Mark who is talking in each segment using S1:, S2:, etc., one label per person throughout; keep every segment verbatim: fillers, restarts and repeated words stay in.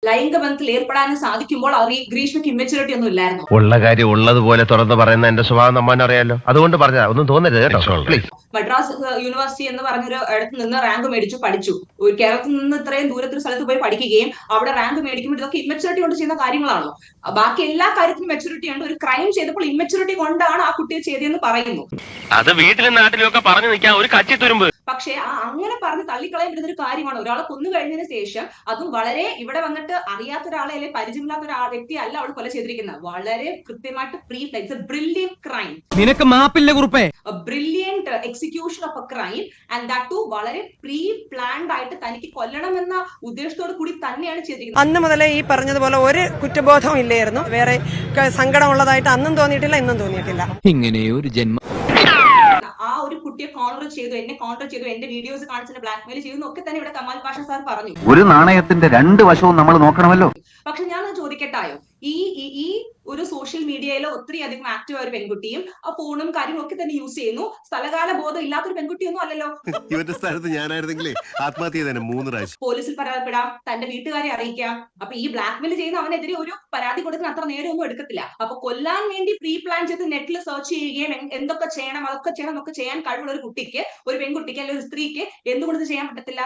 S1: ലൈംഗിക ബന്ധത്തിൽ ഏർപ്പെടാനും സാധിക്കുമ്പോൾ അവർ ഈ ഗ്രീഷ്മയ്ക്ക് ഇമ്മച്യൂരിറ്റി ഒന്നും ഇല്ലായിരുന്നു.
S2: ഉള്ള കാര്യം ഉള്ളതുപോലെ തുറന്ന് പറയുന്ന എന്റെ സ്വഭാവം നമ്മൻ അറിയാലോ, അതുകൊണ്ട് പറഞ്ഞാ ഒന്നും തോന്നരുത് കേട്ടോ പ്ലീസ്.
S1: മദ്രാസ് യൂണിവേഴ്സിറ്റി എന്ന് പറഞ്ഞൊരു ഇടത്ത് നിന്ന് റാങ്ക് മേടിച്ചു പഠിച്ചു. ഒരു കേരളത്തിൽ നിന്ന് ഇത്രയും ദൂരത്തൊരു സ്ഥലത്ത് പോയി പഠിക്കുകയും അവിടെ റാങ്ക് മേടിക്കുമ്പോൾ ഇതൊക്കെ ഇമ്മച്യൂരിറ്റി കൊണ്ട് ചെയ്യുന്ന കാര്യങ്ങളാണോ? ബാക്കി എല്ലാ കാര്യത്തിലും മെച്യൂരിറ്റി ഉണ്ട്. ഒരു ക്രൈം ചെയ്തപ്പോൾ ഇമ്മച്യൂരിറ്റി കൊണ്ടാണ് ആ കുട്ടിയെ ചെയ്തതെന്ന് പറയുന്നു.
S2: അത് വീട്ടിലും നാട്ടിലും ഒക്കെ പറഞ്ഞു നിൽക്കാൻ ഒരു കച്ചി തുരുമ്പ്.
S1: പക്ഷെ ആ അങ്ങനെ പറഞ്ഞ് തള്ളിക്കളയാൻ പറ്റുന്ന ഒരു കാര്യമാണ്. ഒരാളെ കൊന്നു കഴിഞ്ഞതിന് ശേഷം അതും വളരെ ഇവിടെ വന്നിട്ട് അറിയാത്ത ഒരാളെ അല്ലെങ്കിൽ പരിചയമില്ലാത്ത ഒരാ വ്യക്തി അല്ല അവൾ കൊല ചെയ്തിരിക്കുന്നത്. വളരെ കൃത്യമായിട്ട് പ്രീ പ്ലാൻ ബ്രില്യന്റ് ക്രൈം.
S3: നിനക്ക് മാപ്പില്ല കുറുപ്പേ.
S1: Brilliant execution of a crime and that too വളരെ പ്രീ പ്ലാൻഡ് ആയിട്ട് തനിക്ക് കൊല്ലണമെന്ന ഉദ്ദേശത്തോട് കൂടി തന്നെയാണ് ചെയ്തിരിക്കുന്നത്.
S4: അന്ന് മുതലേ ഈ പറഞ്ഞതുപോലെ ഒരു കുറ്റബോധവും ഇല്ലായിരുന്നു. വേറെ സങ്കടമുള്ളതായിട്ട് അന്നും തോന്നിയിട്ടില്ല, ഇന്നും തോന്നിയിട്ടില്ല.
S3: ഇങ്ങനെയൊരു ജന്മ
S1: ആ ഒരു കുട്ടിയെ കോൺട്രോൾ ചെയ്തു, എന്നെ കോൺട്രോൾ ചെയ്തു, എന്റെ വീഡിയോസ് കാണിച്ചിട്ട് ബ്ലാക്ക്മെയിൽ ചെയ്തു എന്നൊക്കെ തന്നെ ഇവിടെ കമാൽ പാഷ സാർ പറഞ്ഞു.
S5: ഒരു നാണയത്തിന്റെ രണ്ട് വശവും നമ്മൾ നോക്കണമല്ലോ.
S1: പക്ഷെ ഞാൻ ചോദിക്കട്ടായോ, ഈ ഈ ഒരു സോഷ്യൽ മീഡിയയിൽ ഒത്തിരി അധികം ആക്റ്റീവ് ആയ ഒരു പെൺകുട്ടിയും ആ ഫോണും കാര്യങ്ങളും ഒക്കെ തന്നെ യൂസ് ചെയ്യുന്നു. സ്ഥലകാല ബോധം ഇല്ലാത്തൊരു പെൺകുട്ടിയൊന്നും അല്ലല്ലോ.
S6: ഇവരുടെ സ്ഥലത്ത് ഞാനായിരുന്നെങ്കിലേ ആത്മഹത്യ തന്നെ മൂന്ന് പ്രാവശ്യം.
S1: പോലീസിൽ പരാതിപ്പെടാം, തന്റെ വീട്ടുകാരെ അറിയിക്കാം. അപ്പൊ ഈ ബ്ലാക്ക്മെയിൽ ചെയ്യുന്ന അവനെതിരെ ഒരു പരാതി കൊടുക്കുന്ന അത്ര നേരമൊന്നും എടുക്കത്തില്ല. അപ്പൊ കൊല്ലാൻ വേണ്ടി പ്രീ പ്ലാൻ ചെയ്ത് നെറ്റിൽ സെർച്ച് ചെയ്യുകയും എന്തൊക്കെ ചെയ്യണം അതൊക്കെ ചെയ്യണം എന്നൊക്കെ ചെയ്യാൻ കഴിവുള്ള ഒരു കുട്ടിക്ക്, ഒരു പെൺകുട്ടിക്ക് അല്ലെങ്കിൽ ഒരു സ്ത്രീക്ക് എന്തുകൊണ്ട് ഇത് ചെയ്യാൻ പറ്റത്തില്ല?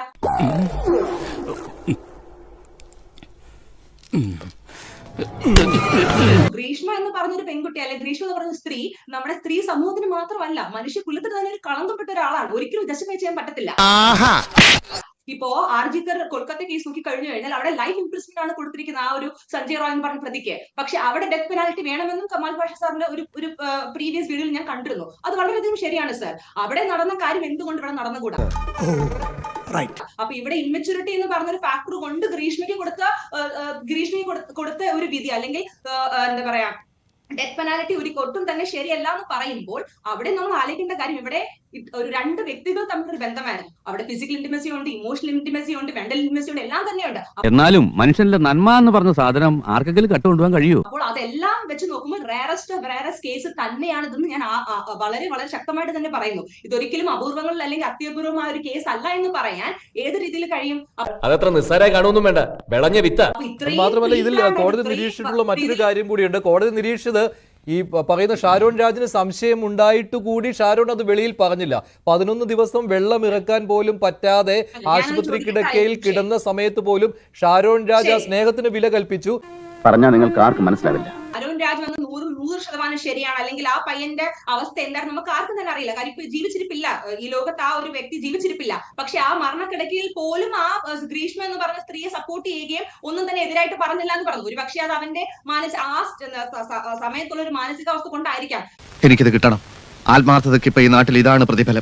S1: ഗ്രീഷ്മ എന്ന് പറഞ്ഞൊരു പെൺകുട്ടി അല്ലെങ്കിൽ ഗ്രീഷ്മ എന്ന് പറഞ്ഞ സ്ത്രീ നമ്മുടെ സ്ത്രീ സമൂഹത്തിന് മാത്രമല്ല മനുഷ്യ കുലത്തിൽ തന്നെ ഒരു കളങ്കപ്പെട്ട ഒരാളാണ്. ഒരിക്കലും ജസ്റ്റിഫൈ ചെയ്യാൻ പറ്റത്തില്ല. ഇപ്പോ ആർജിക്കർ കൊൽക്കത്ത കേസ് നോക്കി കഴിഞ്ഞു കഴിഞ്ഞാൽ അവിടെ ലൈഫ് ഇംപ്രിസ്മെന്റ് ആണ് കൊടുത്തിരിക്കുന്നത് ആ ഒരു സഞ്ജയ് റോയ് എന്ന് പറഞ്ഞ പ്രതിക്ക്. പക്ഷെ അവിടെ ഡെത്ത് പെനാൽറ്റി വേണമെന്നും കമാൽ പാഷ സാറിന്റെ ഒരു ഒരു പ്രീവിയസ് വീഡിയോയിൽ ഞാൻ കണ്ടിരുന്നു. അത് വളരെയധികം ശരിയാണ് സാർ. അവിടെ നടന്ന കാര്യം എന്തുകൊണ്ട് ഇവിടെ നടന്നുകൂടാ? അപ്പൊ ഇവിടെ ഇമ്മച്യൂരിറ്റി എന്ന് പറഞ്ഞൊരു ഫാക്ടർ കൊണ്ട് ഗ്രീഷ്മയ്ക്ക് കൊടുത്ത ഗ്രീഷ്മയ്ക്ക് കൊടുത്ത ഒരു വിധി അല്ലെങ്കിൽ എന്താ പറയാ ഡെത്ത് പെനാൽറ്റി ഒരു ഒട്ടും തന്നെ ശരിയല്ല എന്ന് പറയുമ്പോൾ അവിടെ നമ്മൾ ആലോചിക്കേണ്ട കാര്യം ഇവിടെ ഒരു രണ്ട് വ്യക്തികൾ തമ്മിലൊരു ബന്ധമായിരുന്നു. അവിടെ ഫിസിക്കൽ ഇന്റിമസി ഉണ്ട്, ഇമോഷണൽ ഇന്റിമസി ഉണ്ട്, മെന്റൽ ഇന്റിമസി ഉണ്ട്, എല്ലാം തന്നെയുണ്ട്.
S3: എന്നാലും മനുഷ്യന്റെ നന്മ എന്ന് പറഞ്ഞ സാധനം ആർക്കെങ്കിലും കട്ടുകൊണ്ടുപോകാൻ കഴിയുമോ?
S1: അപ്പോൾ അതെല്ലാം വെച്ച് നോക്കുമ്പോൾ റേറസ്റ്റ് റേറസ്റ്റ് കേസ് തന്നെയാണ് ഇതെന്ന് ഞാൻ വളരെ വളരെ ശക്തമായിട്ട് തന്നെ പറയുന്നു. ഇതൊരിക്കലും അപൂർവങ്ങളിൽ അല്ലെങ്കിൽ അത്യപൂർവമായ ഒരു കേസ് അല്ല എന്ന് പറയാൻ ഏത് രീതിയിൽ കഴിയും?
S7: അതത്ര നിസ്സാരമായി കാണുമൊന്നും വേണ്ട, വിളഞ്ഞ വിത്ത. മാത്രമല്ല ഇതിൽ കോടതി നിരീക്ഷിച്ചിട്ടുള്ള മറ്റൊരു കാര്യം കൂടിയുണ്ട്. കോടതി നിരീക്ഷിച്ചത് ഈ പറയുന്ന ഷാരോൺ രാജിന് സംശയം ഉണ്ടായിട്ട് കൂടി ഷാരോൺ അത് വെളിയിൽ പറഞ്ഞില്ല. പതിനൊന്ന് ദിവസം വെള്ളം ഇറക്കാൻ പോലും പറ്റാതെ ആശുപത്രി കിടക്കയിൽ കിടന്ന സമയത്ത് പോലും ഷാരോൺ രാജ് ആ സ്നേഹത്തിന് വില കൽപ്പിച്ചു.
S5: പറഞ്ഞാൽ നിങ്ങൾക്ക് ആർക്കും മനസ്സിലാവില്ല.
S1: അരുൺ രാജ് വന്ന് നൂറ് നൂറ് ശതമാനം ശരിയാണ്, അല്ലെങ്കിൽ ആ പയ്യന്റെ അവസ്ഥ എന്തായിരുന്നു നമുക്ക് ആർക്കും തന്നെ അറിയില്ല. കാര്യം ഇപ്പൊ ജീവിച്ചിരിപ്പില്ല, ഈ ലോകത്ത് ആ ഒരു വ്യക്തി ജീവിച്ചിരിപ്പില്ല. പക്ഷെ ആ മരണക്കിടക്കയിൽ പോലും ആ ഗ്രീഷ്മ എന്ന് പറഞ്ഞ സ്ത്രീയെ സപ്പോർട്ട് ചെയ്യുകയും ഒന്നും തന്നെ എതിരായിട്ട് പറഞ്ഞില്ല എന്ന് പറഞ്ഞു. ഒരു പക്ഷേ അത് അവന്റെ മാനസിക ആ സമയത്തുള്ള ഒരു മാനസികാവസ്ഥ കൊണ്ടായിരിക്കാം.
S8: എനിക്കിത് കിട്ടണം. ആത്മാർത്ഥതയ്ക്ക് ഇപ്പൊ ഈ നാട്ടിൽ ഇതാണ് പ്രതിഫലം.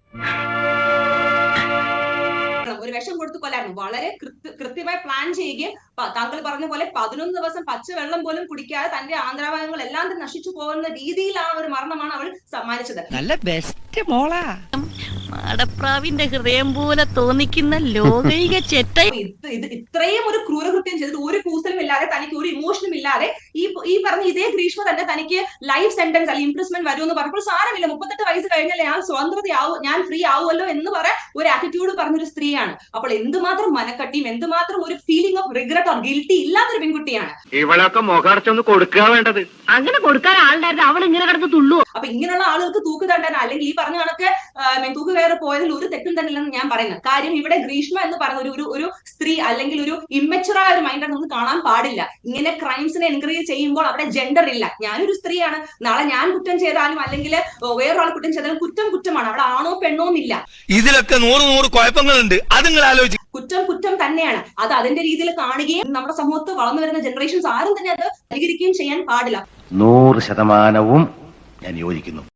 S1: ഒരു വിഷം കൊടുത്തു കൊല്ലായിരുന്നു. വളരെ കൃത്യമായി പ്ലാൻ ചെയ്യുകയും താങ്കൾ പറഞ്ഞ പോലെ പതിനൊന്ന് ദിവസം പച്ചവെള്ളം പോലും കുടിക്കാതെ തന്റെ ആന്ധ്രാഭാഗങ്ങൾ എല്ലാം തന്നെ നശിച്ചു പോകുന്ന രീതിയിലാണ് ഒരു മരണമാണ് അവൾ സമ്മാനിച്ചത്.
S9: നല്ല ബെസ്റ്റ് മോളാ, മാടപ്രാവിന്റെ ഹൃദയം പോലെ തോന്നിക്കുന്ന ലോകൈക ചെറ്റ.
S1: ഇത് ഇത്രയും ഒരു ക്രൂരകൃത്യം ചെയ്തിട്ട് ഒരു കൂസലും ഇല്ലാതെ തനിക്ക് ഒരു ഇമോഷനും ഇല്ലാതെ ഈ ഈ പറഞ്ഞ ഇതേ ഗ്രീഷ്മ തന്നെ തനിക്ക് ലൈഫ് സെന്റൻസ് അല്ലെങ്കിൽ ഇംപ്രസ്മെന്റ് വരുമെന്ന് പറഞ്ഞപ്പോൾ സാരമില്ല, മുപ്പത്തെട്ട് വയസ്സ് കഴിഞ്ഞാൽ ഞാൻ സ്വതന്ത്രതയാവും, ഞാൻ ഫ്രീ ആവുമല്ലോ എന്ന് പറയാൻ ഒരു ആറ്റിറ്റ്യൂഡ് പറഞ്ഞൊരു സ്ത്രീയാണ്. അപ്പോൾ എന്തുമാത്രം മനക്കട്ടിയും എന്തുമാത്രം ഒരു feeling of regret or guilty ഇല്ലാത്തൊരു പെൺകുട്ടിയാണ്.
S2: ഇവളൊക്കെ മുഖടച്ചൊന്ന് കൊടുക്കുക വേണ്ടത്.
S9: അങ്ങനെ കൊടുക്കാൻ ആളുണ്ടായിരുന്നു, അവൾ ഇങ്ങനെ കിടന്ന് തുള്ളു.
S1: അപ്പൊ ഇങ്ങനെയുള്ള ആളുകൾക്ക് തൂക്ക് തണ്ടാൻ അല്ലെങ്കിൽ ഈ പറഞ്ഞ കണക്ക് തൂക്ക് കയറി പോയതിൽ ഒരു തെറ്റും തന്നെ ഇല്ലെന്ന് ഞാൻ പറയുന്നത്. കാര്യം ഇവിടെ ഗ്രീഷ്മ എന്ന് പറഞ്ഞ ഒരു ഒരു സ്ത്രീ അല്ലെങ്കിൽ ഒരു ഇമ്മച്ചുറായ ഒരു മൈൻഡ് നമുക്ക് കാണാൻ പാടില്ല. ഇങ്ങനെ ക്രൈംസിനെ എൻകറേജ് ചെയ്യുമ്പോൾ അവിടെ ജെൻഡർ ഇല്ല. ഞാനൊരു സ്ത്രീയാണ്, നാളെ ഞാൻ കുറ്റം ചെയ്താലും അല്ലെങ്കിൽ വേറൊരാൾ കുറ്റം ചെയ്താലും കുറ്റം കുറ്റമാണ്. അവിടെ ആണോ പെണ്ണോ എന്നില്ല.
S8: ഇതിലൊക്കെ നൂറ് നൂറ് കുഴപ്പങ്ങളുണ്ട്. അത് നിങ്ങൾ ആലോചിക്കും.
S1: കുറ്റം കുറ്റം തന്നെയാണ്. അത് അതിന്റെ രീതിയിൽ കാണുകയും നമ്മുടെ സമൂഹത്ത് വളർന്നു വരുന്ന ജനറേഷൻസ് ആരും തന്നെ അത് അനുകരിക്കുകയും ചെയ്യാൻ പാടില്ല.
S5: നൂറ് ശതമാനവും ഞാൻ യോജിക്കുന്നു.